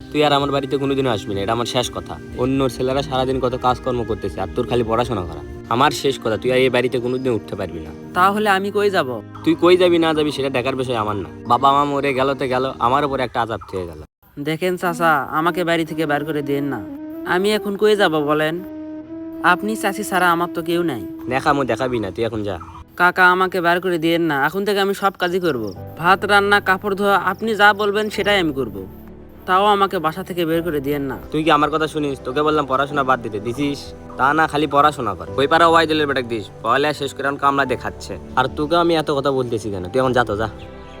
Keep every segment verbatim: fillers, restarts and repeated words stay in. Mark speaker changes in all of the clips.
Speaker 1: তুই আর আমার বাড়িতে কোনোদিনও আসবি না, এটা আমার শেষ কথা। অন্য ছেলেরা সারাদিন কত কাজকর্ম করতেছে আর তোর খালি পড়াশোনা করা। আমার শেষ কথা, তুই আর এই বাড়িতে কোনোদিন উঠতে পারবি না।
Speaker 2: তাহলে আমি কই যাব?
Speaker 1: তুই কই যাবি না যাবি সেটা দেখার বিষয় আমার না। বাবা মা মরে গেল তো গেল, আমার উপরে একটা আজাব থেকে গেল।
Speaker 2: দেখেন চাচা, আমাকে বাড়ি থেকে বের করে দিন না। আমি এখন কই যাব বলেন? আপনি চাচি ছাড়া আমার তো কেউ নাই।
Speaker 1: দেখামো দেখাবি না, তুই এখন যা।
Speaker 2: কাকা, আমাকে বের করে দিয়েন না। এখন থেকে আমি সব কাজই করব। ভাত রান্না, কাপড় ধোয়া, আপনি যা বলবেন সেটাই আমি করব। তাও আমাকে বাসা থেকে বের করে দিয়েন না।
Speaker 1: তুই কি আমার কথা শুনিস? তোকে বললাম পড়াশোনা বাদ দিতে, দিছিস? তা না, খালি পড়াশোনা কর। ওই পাড়া ওয়াইদুলের বেটাক দিস, পড়ালেখা শেষ করে এখন কামলা দেখাচ্ছে। আর তোকে আমি এত কথা বলতেছি কেন? তুই এখন যা তো যা।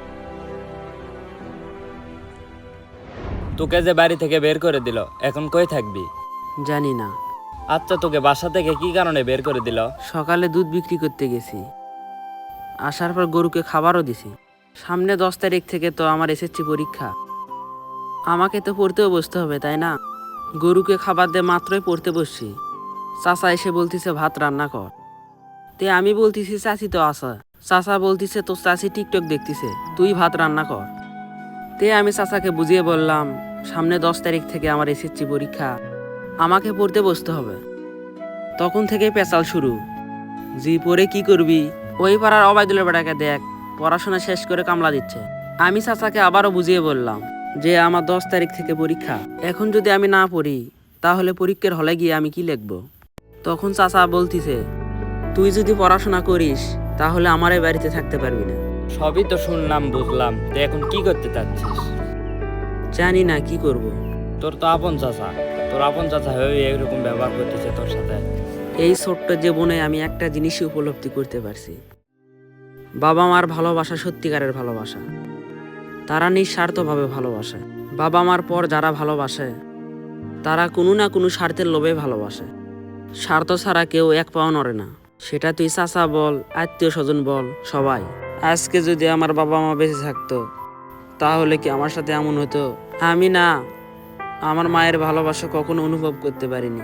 Speaker 1: তোকে যে বাড়ি থেকে বের করে দিল, এখন কই থাকবি?
Speaker 2: জানি না।
Speaker 1: আচ্ছা, তোকে বাসা থেকে কি কারণে বের করে দিল?
Speaker 2: সকালে দুধ বিক্রি করতে গেছি, আসার পর গরুকে খাবারও দিছি। সামনে দশ তারিখ থেকে তো আমার এসএসসি পরীক্ষা, আমাকে তো পড়তেও বসতে হবে, তাই না? গরুকে খাবার দিয়ে মাত্রই পড়তে বসছি, চাচা এসে বলতিছে ভাত রান্না কর। তে আমি বলতিছি চাচি তো আসা। চাচা বলতিছে তোর চাচি টিকটক দেখতিছে, তুই ভাত রান্না কর। তে আমি চাচাকে বুঝিয়ে বললাম সামনে দশ তারিখ থেকে আমার এসএসসি পরীক্ষা, আমাকে পড়তে বসতে হবে। তখন থেকে পেঁচাল শুরু, জি পরে কি করবি? ওই পাড়ার অবায়দুলের বেটাকে দেখ, পড়াশোনা শেষ করে কামলা দিচ্ছে। আমি চাচাকে আবারও বুঝিয়ে বললাম যে আমার দশ তারিখ থেকে পরীক্ষা, এখন যদি আমি না পড়ি তাহলে পরীক্ষার হলে গিয়ে আমি কি লিখব? তখন চাচা বলতিছে তুই যদি পড়াশোনা করিস তাহলে আমার এই বাড়িতে থাকতে পারবি না।
Speaker 1: সবই তো শুনলাম, বুঝলাম, তুই এখন কি করতে চাচ্ছিস?
Speaker 2: জানি না কি করব।
Speaker 1: তোর তো আপন চাচা, তোর আপন চাচা হয়ে এরকম ব্যবহার করতেছে তোর সাথে।
Speaker 2: এই ছোট্ট জীবনে আমি একটা জিনিসই উপলব্ধি করতে পারছি, বাবা মার ভালোবাসা সত্যিকারের ভালোবাসা। তারা নিঃস্বার্থভাবে ভালোবাসে। বাবা মার পর যারা ভালোবাসে তারা কোনো না কোনো স্বার্থের লোভে ভালোবাসে। স্বার্থ ছাড়া কেউ এক পাও নড়ে না, সেটা তুই চাচা বল, আত্মীয় স্বজন বল, সবাই। আজকে যদি আমার বাবা মা বেঁচে থাকতো তাহলে কি আমার সাথে এমন হতো? আমি না আমার মায়ের ভালোবাসা কখনো অনুভব করতে পারিনি।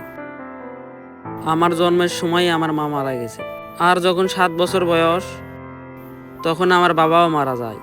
Speaker 2: আমার জন্মের সময় আমার মা মারা গেছে, আর যখন সাত বছর বয়স তখন আমার বাবাও মারা যায়।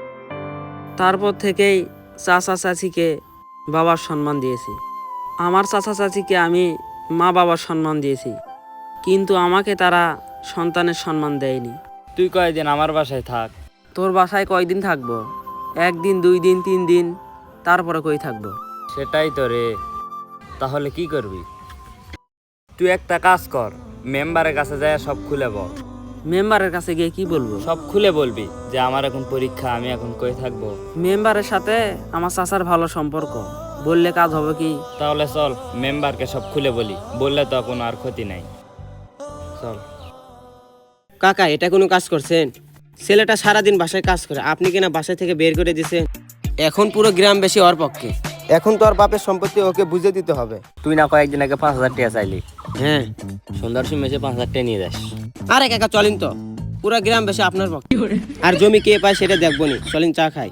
Speaker 2: তারপর থেকেই চাচা চাচিকে বাবার সম্মান দিয়েছি, আমার চাচা চাচিকে আমি মা বাবার সম্মান দিয়েছি, কিন্তু আমাকে তারা সন্তানের সম্মান দেয়নি।
Speaker 1: তুই কয়দিন আমার বাসায় থাক।
Speaker 2: তোর বাসায় কয়দিন থাকবো? একদিন, দুই দিন, তিন দিন, তারপরে কই থাকবো?
Speaker 1: সেটাই তো রে। তাহলে কি করবি? তুই একটা কাজ কর, মেম্বারের কাছে যায় সব খুলে বল।
Speaker 2: মেম্বারের কাছে গিয়ে কি বলবো?
Speaker 1: সব খুলে বলবি যে আমার এখন পরীক্ষা, আমি এখন কই থাকবো।
Speaker 2: মেম্বারের সাথে আমার চাচার ভালো সম্পর্ক, বললে কাজ হবে কি?
Speaker 1: তাহলে চল মেম্বারকে সব খুলে বলি, বললে তো কোনো আর ক্ষতি নাই। চল।
Speaker 3: কাকা, এটা কোনো কাজ করছেন? ছেলেটা সারাদিন বাসায় কাজ করে, আপনি কিনা বাসা থেকে বের করে দিছেন। এখন পুরো গ্রাম বেশি ওর পক্ষে। এখন তো ওর বাপের সম্পত্তি ওকে বুঝে দিতে হবে।
Speaker 1: তুই না কয়েকদিন আগে পাঁচ হাজার টাকা চাইলি?
Speaker 3: হ্যাঁ।
Speaker 1: সন্ধ্যার সময় এসে পাঁচ হাজার টাকা নিয়ে যাস।
Speaker 3: আরে কাকা চলেন তো, পুরো গ্রাম বেশি আপনার পক্ষে। আর জমি কে পায় সেটা দেখবো নি, চলেন চা খাই।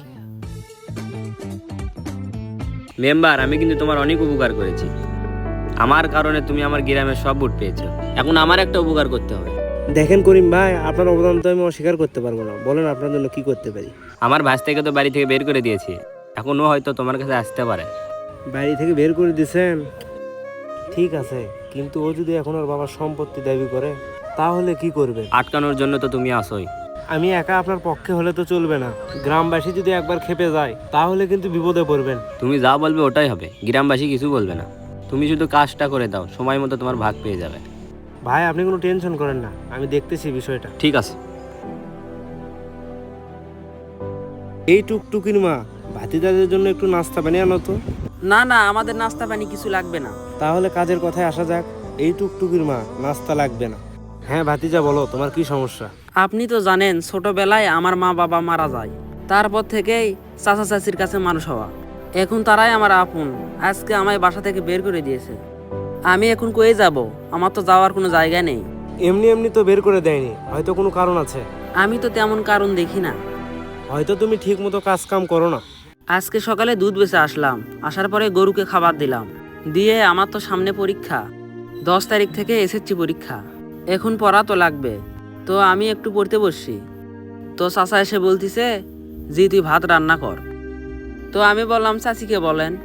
Speaker 1: মেম্বার, আমি কিন্তু তোমার অনেক উপকার করেছি। আমার কারণে তুমি আমার গ্রামের সব ভোট পেয়েছো, এখন আমার একটা উপকার করতে হবে।
Speaker 4: দেখেন করিম ভাই, আপনার অবদান তো আমি অস্বীকার করতে পারবো না। বলেন আপনার জন্য কি করতে পারি?
Speaker 1: আমার ভাই থেকে তো বাড়ি থেকে বের করে দিয়েছি, এখনো হয়তো তোমার কাছে আসতে পারে।
Speaker 4: বাড়ি থেকে বের করে দিয়েছেন, ঠিক আছে, কিন্তু ও যদি এখন ওর বাবার সম্পত্তি দাবি করে তাহলে কি করবে?
Speaker 1: আটকানোর জন্য তো তুমি আসোই।
Speaker 4: আমি একা আপনার পক্ষে হলে তো চলবে না। গ্রামবাসী যদি একবার খেপে যায় তাহলে কিন্তু বিপদে পড়বেন।
Speaker 1: তুমি যা বলবে ওটাই হবে, গ্রামবাসী কিছু বলবে না। তুমি শুধু কাজটা করে দাও, সময় মতো তোমার ভাগ পেয়ে যাবে।
Speaker 4: ভাই আপনি কোনো টেনশন করেন না, আমি দেখতেছি বিষয়টা।
Speaker 1: ঠিক আছে।
Speaker 4: এই টুকটুকির মা, ভাতিদাদের জন্য একটু নাস্তা বানিয়ে আনো তো।
Speaker 2: না না, আমাদের নাস্তা পানি কিছু লাগবে না।
Speaker 4: তাহলে কাজের কথায় আসা যাক। এই টুকটুকির মা, নাস্তা লাগবে না। হ্যাঁ ভাতিজা, বলো তোমার কি সমস্যা?
Speaker 2: আপনি তো জানেন ছোটবেলায় আমার মা বাবা মারা যায়, তারপর থেকেই চাচা চাচির কাছে মানুষ হওয়া। এখন তারাই আমার আপন, আজকে আমায় বাসা থেকে বের করে দিয়েছে। আমি এখন কয়ে যাব? আমার তো যাওয়ার কোনো জায়গা নেই।
Speaker 4: এমনি এমনি তো বের করে দেয়নি, হয়তো কোনো কারণ আছে।
Speaker 2: আমি তো তেমন কারণ দেখি না।
Speaker 4: হয়তো তুমি ঠিক মতো কাজ কাম করো না।
Speaker 2: আজকে সকালে দুধ বেচে আসলাম, আসার পরে গরুকে খাবার দিলাম, দিয়ে আমার তো সামনে পরীক্ষা, দশ তারিখ থেকে এসএসসি পরীক্ষা। এখন পড়া তো লাগবে, তো আমি একটু পড়তে বসছি, তো চাচা এসে বলতিছে জি তুই ভাত রান্না কর। তো আমি বললাম চাচিকে বলেন।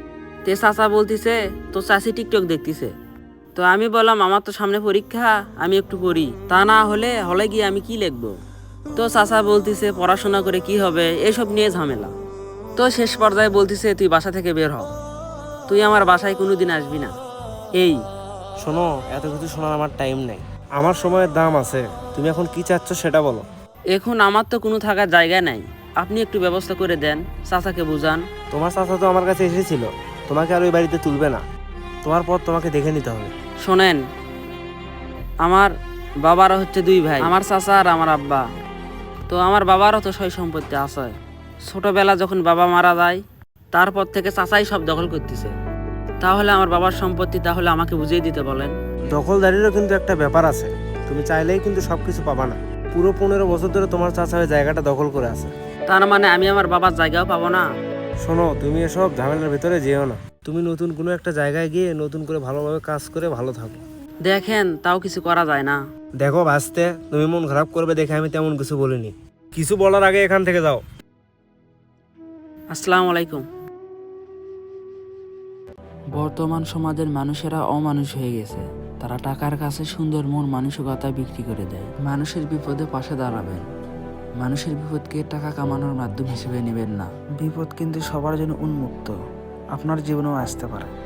Speaker 2: তে চাচা বলতিছে তো চাচি টিকটক দেখতিছে। তো আমি বললাম আমার তো সামনে পরীক্ষা, আমি একটু পড়ি, তা না হলে হলে গিয়ে আমি কি লিখবো। তো চাচা বলতিছে পড়াশোনা করে কি হবে, এসব নিয়ে ঝামেলা। তো শেষ পর্যায়ে বলতিছে তুই বাসা থেকে বের হ, তুই আমার বাসায় কোনোদিন আসবি না। এই
Speaker 4: শোনো, এত কিছু শোনার আমার টাইম নেই, আমার সময়ের দাম আছে। তুমি এখন কি চাচ্ছ সেটা বলো।
Speaker 2: এখন আমার তো কোনো থাকার জায়গা নাই, আপনি একটু ব্যবস্থা করে দেন, চাচাকে বুঝান।
Speaker 4: তোমার চাচা তো আমার কাছে এসেছিল, তোমাকে আর ওই বাড়িতে তুলবে না, তোমার পর তোমাকে দেখে নিতে হবে।
Speaker 2: শোনেন, আমার বাবারও হচ্ছে দুই ভাই, আমার চাচা আর আমার আব্বা। তো আমার বাবারও তো সয় সম্পত্তি আছে। ছোটবেলা যখন বাবা মারা যায় তারপর থেকে চাচাই সব দখল করতেছে। তাহলে আমার বাবার সম্পত্তি তাহলে আমাকে বুঝিয়ে দিতে বলেন।
Speaker 4: দখলদারিরও কিন্তু একটা ব্যাপার আছে, তুমি চাইলেই কিন্তু সবকিছু পাবা না। পুরো পনেরো বছর ধরে তোমার চাচা ওই জায়গাটা দখল করে আছে।
Speaker 2: তার মানে আমি আমার বাবার জায়গাও পাবো না?
Speaker 4: শোনো, তুমি এসব ঝামেলার ভিতরে যেও না, তুমি নতুন কোনো একটা জায়গায় গিয়ে নতুন করে ভালোভাবে কাজ করে ভালো থাকো।
Speaker 2: দেখেন তাও কিছু করা যায় না।
Speaker 4: দেখো ভাসতে, তুমি মন খারাপ করবে দেখে আমি তেমন কিছু বলিনি। কিছু বলার আগে এখান থেকে যাও।
Speaker 2: আসসালামু আলাইকুম। বর্তমান সমাজের মানুষেরা অমানুষ হয়ে গেছে। তারা টাকার কাছে সুন্দর মন মানসিকতা বিক্রি করে দেয়। মানুষের বিপদে পাশে দাঁড়াবেন। মানুষের বিপদকে টাকা কামানোর মাধ্যম হিসেবে নেবেন না। বিপদ কিন্তু সবার জন্য উন্মুক্ত, আপনার জীবনেও আসতে পারে।